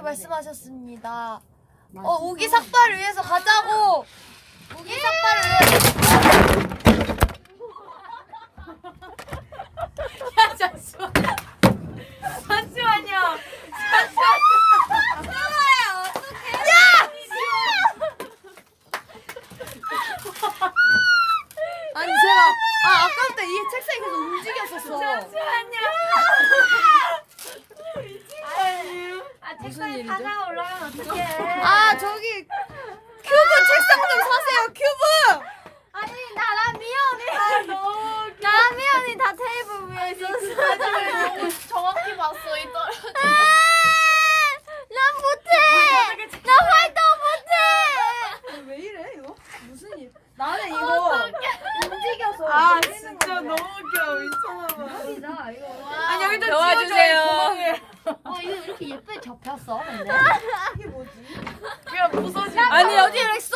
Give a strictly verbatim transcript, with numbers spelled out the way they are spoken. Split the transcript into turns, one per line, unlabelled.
그렇게 말씀하셨습니다. 어 우기 삭발을 위해서 가자고. 우기 삭발을 위해서.
야 잠시만. 잠시만요.
아니 제가 아 아까부터 이 책상이 계속 움직였었어.
잠시만요.
아
무슨
책상에
일이죠?
바다가 올라가면 어떡해.
아 저기 큐브 책상 좀 사세요 큐브.
아니 나랑 미연이 나랑 미연이 다 테이블 위에 있었어.
정확히 봤어 이 떨어져.
난 못해. 나 활동 못해.
왜 이래 이거? 무슨 일? 나는 이거 움직여서.
아 진짜 너무 웃겨 미쳐봐.
진짜 이거.
아니 여기 좀
도와주세요.
어 이거 이렇게 예쁘게 접혔어 근데.
이게 뭐지?
그냥 부서지.
아니 여기 이렇게